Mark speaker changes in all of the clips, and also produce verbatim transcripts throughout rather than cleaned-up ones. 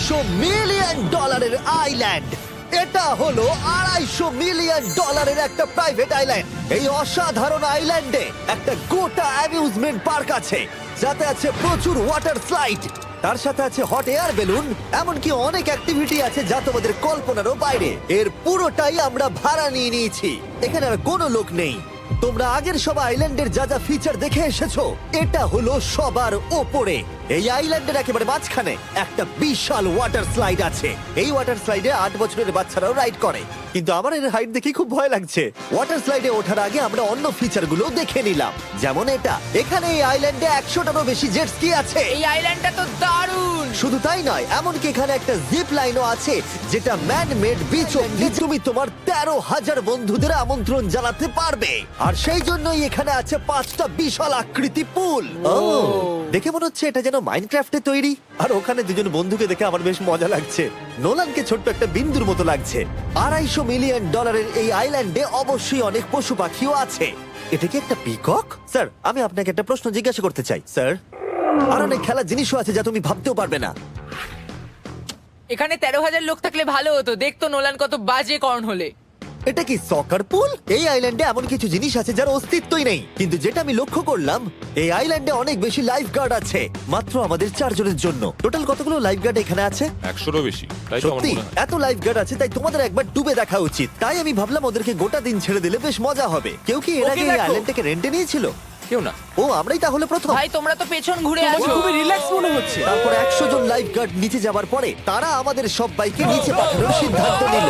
Speaker 1: আড়াইশো মিলিয়ন ডলারের আইল্যান্ড। এটা হলো আড়াইশো মিলিয়ন ডলারের একটা প্রাইভেট আইল্যান্ড। এই অসাধারণ আইল্যান্ডে একটা গোটা অ্যামিউজমেন্ট পার্ক আছে, যাতে আছে প্রচুর ওয়াটার স্লাইড, তার সাথে আছে হট এয়ার বেলুন, এমনকি অনেক অ্যাক্টিভিটি আছে যা তোমাদের কল্পনারও বাইরে। এর পুরোটাই আমরা ভাড়া নিয়ে নিয়েছি। এখানে আর কোনো লোক নেই। তোমরা আগের সব আইল্যান্ডের যা যা ফিচার দেখে এসেছো, এটা হলো সবার ওপরে। এই আইল্যান্ডের একেবারে মাঝখানে একটা বিশাল ওয়াটার স্লাইড আছে। এই ওয়াটার স্লাইডে আট বছরের বাচ্চারাও রাইড করে, কিন্তু আমার এর হাইট দেখে খুব ভয় লাগছে। ওয়াটার স্লাইডে ওঠার আগে আমরা অন্য ফিচারগুলো দেখে নিলাম, যেমন এটা। এখানে এই আইল্যান্ডে একশোটারও বেশি জেট স্কি আছে।
Speaker 2: এই আইল্যান্ডটা তো দারুণ।
Speaker 1: শুধু তাই নয়, এমনকি এখানে একটা জিপ লাইনও আছে, যেটা ম্যান মেড বিচ অব্দি তুমি তোমার তেরো হাজার বন্ধুদের আমন্ত্রণ জানাতে পারবে। আর সেই জন্যই এখানে আছে পাঁচটা বিশাল আকৃতি পুল। ও, দেখে মনে হচ্ছে এটা যেন মাইনক্রাফটে তৈরি। আর ওখানে দুজন বন্ধুকে দেখে আমার বেশ মজা লাগছে। নোলানকে ছোট্ট একটা বিন্দুর মতো লাগছে। আড়াইশো মিলিয়ন ডলারের এই আইল্যান্ডে অবশ্যই অনেক পশু পাখিও আছে। এটা কি একটা পিকক? স্যার, আমি আপনাকে একটা প্রশ্ন জিজ্ঞাসা করতে চাই স্যার। আর অনেক খেলার জিনিসও আছে যা তুমি ভাবতেও পারবে না।
Speaker 2: এখানে তেরো হাজার লোক থাকলে ভালো হতো, দেখতো নোলান কত বাজে কর্ন হলে।
Speaker 1: এটা কি সকার পুল? এই আইল্যান্ডে এমন কিছু জিনিস আছে যার অস্তিত্বই নেই। কিন্তু যেটা আমি লক্ষ্য করলাম, এই আইল্যান্ডে অনেক বেশি লাইফ গার্ড আছে, মাত্র আমাদের চারজনের জন্য। টোটাল কতগুলো লাইফ গার্ড এখানে আছে?
Speaker 3: একশোরও বেশি, তাই তো আমার
Speaker 1: সত্যি
Speaker 3: মনে হয়।
Speaker 1: এত লাইফ গার্ড আছে, তাই তোমাদের একবার ডুবে দেখা উচিত। তাই আমি ভাবলাম ওদেরকে গোটা দিন ছেড়ে দিলে বেশ মজা হবে। কেউ কি এর
Speaker 4: ওকে
Speaker 1: আগে এই
Speaker 4: দেখো।
Speaker 1: আইল্যান্ডটাকে রেন্টে নিয়েছিল?
Speaker 3: কেউ না।
Speaker 1: ও, আমরাই তাহলে প্রথম।
Speaker 2: ভাই তোমরা তো পেছন ঘুরে
Speaker 4: তোমাকে
Speaker 2: আছো।
Speaker 4: খুবই রিল্যাক্স মনে হচ্ছে।
Speaker 1: তারপর একশো জন লাইফ গার্ড নিচে যাবার পরে তারা আমাদের সবাইকে নিচে পাঠানোর সিদ্ধান্ত নিল।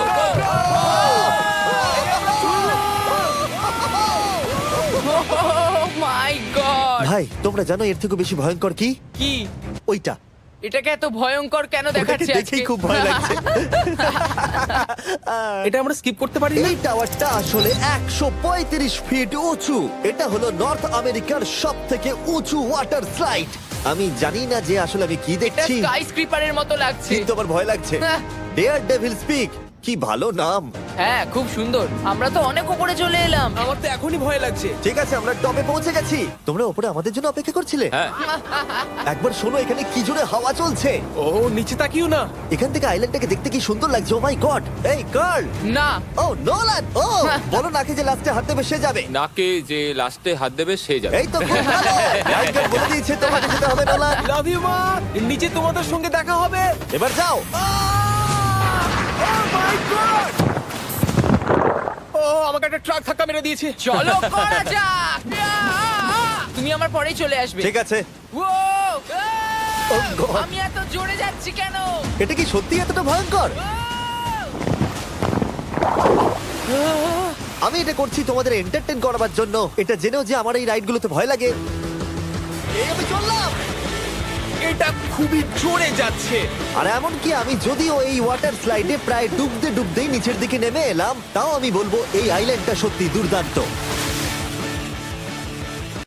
Speaker 2: My God.
Speaker 1: ভাই, তোমরা জানো এর থেকে বেশি ভয়ঙ্কর কি?
Speaker 2: কি
Speaker 1: ওইটা।
Speaker 2: এটাকে এত ভয়ঙ্কর কেন
Speaker 1: ওটাকে
Speaker 2: দেখাচ্ছে আজকে?
Speaker 1: দেখেই খুব ভয় লাগছে।
Speaker 4: এটা আমরা স্কিপ করতে পারি না?
Speaker 1: এই টাওয়ারটা আসলে একশো পঁয়ত্রিশ ফিট উঁচু। এটা হলো নর্থ আমেরিকার সব থেকে উঁচু ওয়াটার স্লাইড। আমি জানি না যে আসলে আমি কি
Speaker 2: এটা
Speaker 1: দেখছি,
Speaker 2: স্কাই স্ক্রিপারের মতো লাগছে।
Speaker 1: কিন্তু আমার ভয় লাগছে।
Speaker 2: হ্যাঁ।
Speaker 1: ডেয়ার ডেভিল স্পিক, কি ভালো নাম।
Speaker 2: হ্যাঁ, খুব সুন্দর। আমরা তো অনেক উপরে চলে এলাম।
Speaker 4: আমার তো এখনই ভয় লাগছে।
Speaker 1: ঠিক আছে, আমরা টপে পৌঁছে গেছি। তোমরা উপরে আমাদের জন্য অপেক্ষা করছিলে?
Speaker 3: হ্যাঁ,
Speaker 1: একবার শোনো, এখানে কি জোরে হাওয়া চলছে।
Speaker 4: ও নিচে তাকিও না।
Speaker 1: এখান থেকে আইল্যান্ডটাকে দেখতে কি সুন্দর লাগছে। Oh my God. এই গার্ল।
Speaker 2: না,
Speaker 1: ও নোলান। ও, বলো নাকি যে লাস্টে হাত দেবে সে যাবে।
Speaker 3: নাকে যে লাস্টে হাত দেবে সে যাবে।
Speaker 1: এই তো খুব ভালো। লাইফগার্ড বলে দিয়েছে তোমাকে যেতে হবে নোলান।
Speaker 4: লাভ ইউ মা। নিচে তোমাদের সঙ্গে দেখা হবে।
Speaker 1: এবার যাও।
Speaker 4: ও আমাকে একটা ট্রাক ধাক্কা মেরে দিয়েছে।
Speaker 2: চলো করা যাক। তুমি আমার পরেই চলে আসবে।
Speaker 1: ঠিক আছে।
Speaker 2: ও,
Speaker 1: Oh God!
Speaker 2: আমি এত জোরে যাচ্ছি কেন?
Speaker 1: এটা কি সত্যি এতটা ভয়ঙ্কর? আমি এটা করছি তোমাদের এন্টারটেইন করার জন্য। এটা জেনেও যে আমার এই রাইডগুলোতে ভয় লাগে। এই আমি চললাম।
Speaker 4: এটা খুবই জোরে যাচ্ছে।
Speaker 1: আর এমনকি আমি যদিও এই ওয়াটার স্লাইডে প্রায় ডুবতে ডুবতেই নিচের দিকে নেমে এলাম, তাও আমি বলবো এই আইল্যান্ডটা সত্যি দুর্দান্ত।